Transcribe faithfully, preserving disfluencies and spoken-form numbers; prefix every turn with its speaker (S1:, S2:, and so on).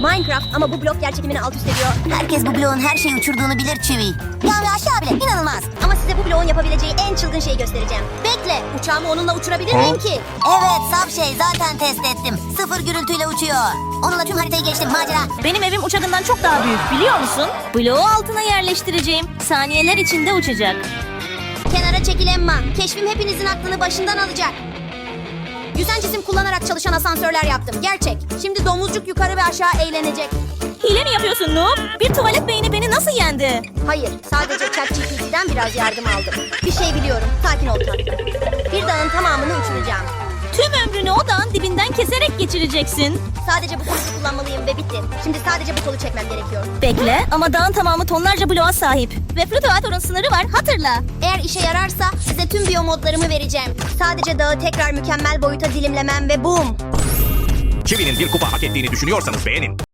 S1: Minecraft ama bu blok yerçekimini alt üst ediyor.
S2: Herkes bu bloğun her şeyi uçurduğunu bilir Çivi. Yani aşağı bile inanılmaz.
S1: Ama size bu bloğun yapabileceği en çılgın şeyi göstereceğim. Bekle, uçağımı onunla uçurabilir miyim ki?
S2: Evet saf şey zaten test ettim. Sıfır gürültüyle uçuyor. Onunla tüm haritayı geçtim macera.
S3: Benim evim uçağından çok daha büyük biliyor musun? Bloğu altına yerleştireceğim. Saniyeler içinde uçacak.
S1: Kenara çekil Emma. Keşfim hepinizin aklını başından alacak. Yüzen cisim kullanarak çalışan asansörler yaptım. Gerçek. Şimdi domuzcuk yukarı ve aşağı eğlenecek.
S3: Hile mi yapıyorsun Noob? Bir tuvalet beyni beni nasıl yendi?
S1: Hayır, sadece ChatGPT'den biraz yardım aldım. Bir şey biliyorum. Sakin ol tatlım. Bir dağın tamamını uçuracağım.
S3: Tüm ömrünü o dağın dibinden keserek geçireceksin.
S1: Sadece bu kolu kullanmalıyım ve bitti. Şimdi sadece bu kolu çekmem gerekiyor.
S3: Bekle ama dağın tamamı tonlarca bloğa sahip. Ve Flutuator'un sınırı var hatırla.
S1: Eğer işe yararsa size tüm biyomodlarımı vereceğim. Sadece dağı tekrar mükemmel boyuta dilimlemem ve boom.
S4: Çivi'nin bir kupa hak ettiğini düşünüyorsanız beğenin.